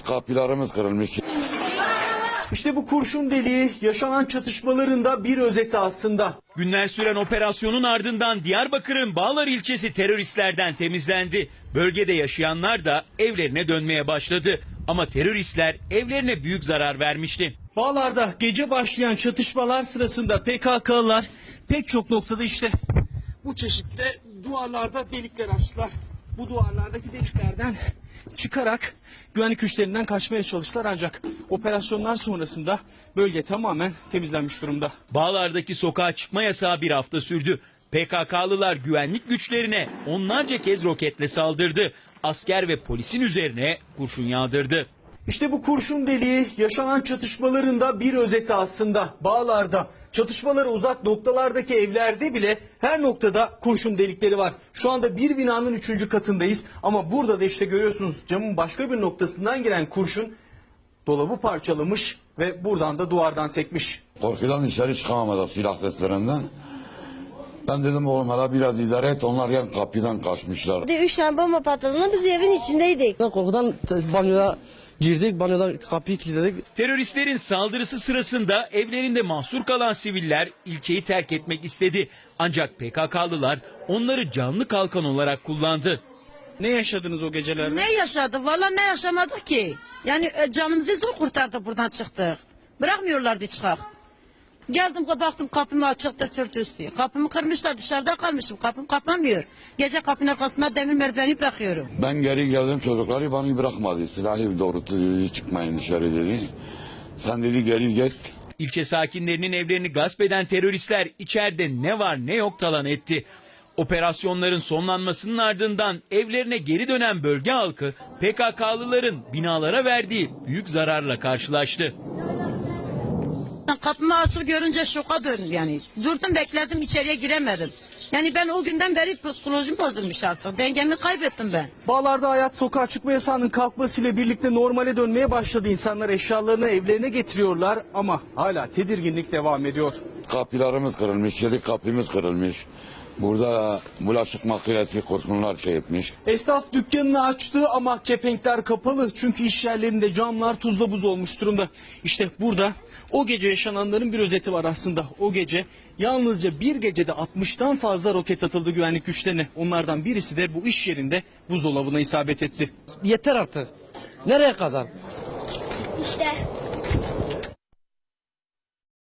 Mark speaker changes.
Speaker 1: kapılarımız kırılmış.
Speaker 2: İşte bu kurşun deliği yaşanan çatışmalarında bir özeti aslında.
Speaker 3: Günler süren operasyonun ardından Diyarbakır'ın Bağlar ilçesi teröristlerden temizlendi. Bölgede yaşayanlar da evlerine dönmeye başladı. Ama teröristler evlerine büyük zarar vermişti.
Speaker 2: Bağlar'da gece başlayan çatışmalar sırasında PKK'lılar pek çok noktada işte bu çeşitli duvarlarda delikler açtılar. Bu duvarlardaki deliklerden çıkarak güvenlik güçlerinden kaçmaya çalıştılar ancak operasyonlar sonrasında bölge tamamen temizlenmiş durumda.
Speaker 3: Bağlar'daki sokağa çıkma yasağı bir hafta sürdü. PKK'lılar güvenlik güçlerine onlarca kez roketle saldırdı. Asker ve polisin üzerine kurşun yağdırdı.
Speaker 2: İşte bu kurşun deliği yaşanan çatışmalarında bir özeti aslında. Bağlar'da çatışmalara uzak noktalardaki evlerde bile her noktada kurşun delikleri var. Şu anda bir binanın 3. katındayız ama burada da işte görüyorsunuz camın başka bir noktasından giren kurşun dolabı parçalamış ve buradan da duvardan sekmiş.
Speaker 1: Korkudan dışarı çıkamadık silah seslerinden. Ben dedim oğlum hala biraz idare et, onlar yan kapıdan kaçmışlar.
Speaker 4: 3 tane bomba patladığında biz evin içindeydik.
Speaker 5: Korkudan banyoya girdik, banyoda kapıyı kilitledik.
Speaker 3: Teröristlerin saldırısı sırasında evlerinde mahsur kalan siviller ilçeyi terk etmek istedi. Ancak PKK'lılar onları canlı kalkan olarak kullandı.
Speaker 2: Ne yaşadınız o gecelerde?
Speaker 6: Ne yaşadık? Vallahi ne yaşamadık ki. Yani canımızı zor kurtardık, buradan çıktık. Bırakmıyorlardı çıkak. Geldim baktım kapım açıkta sırt üstü. Kapımı kırmışlar, dışarıda kalmışım. Kapım kapanmıyor. Gece kapının arkasında demir merdiveni bırakıyorum.
Speaker 1: Ben geri geldim, çocukları bana bırakmadı. Silahı doğrulttu, çıkmayın dışarı dedi. Sen dedi geri git.
Speaker 3: İlçe sakinlerinin evlerini gasp eden teröristler içeride ne var ne yok talan etti. Operasyonların sonlanmasının ardından evlerine geri dönen bölge halkı PKK'lıların binalara verdiği büyük zararla karşılaştı.
Speaker 6: Kapımı açık görünce şoka döndüm yani. Durdum bekledim, içeriye giremedim. Yani ben o günden beri psikolojim bozulmuş artık. Dengemi kaybettim ben.
Speaker 2: Bağlar'da hayat sokağa çıkma yasağının kalkmasıyla birlikte normale dönmeye başladı. İnsanlar eşyalarını evlerine getiriyorlar ama hala tedirginlik devam ediyor.
Speaker 1: Kapılarımız kırılmış, 7 kapımız kırılmış. Burada bulaşık makinesi kurşunlar etmiş.
Speaker 2: Esnaf dükkanını açtı ama kepenkler kapalı. Çünkü iş yerlerinde camlar tuzla buz olmuş durumda. İşte burada o gece yaşananların bir özeti var aslında. O gece yalnızca bir gecede 60'tan fazla roket atıldı güvenlik güçlerine. Onlardan birisi de bu iş yerinde buzdolabına isabet etti.
Speaker 5: Yeter artık. Nereye kadar?
Speaker 4: İşte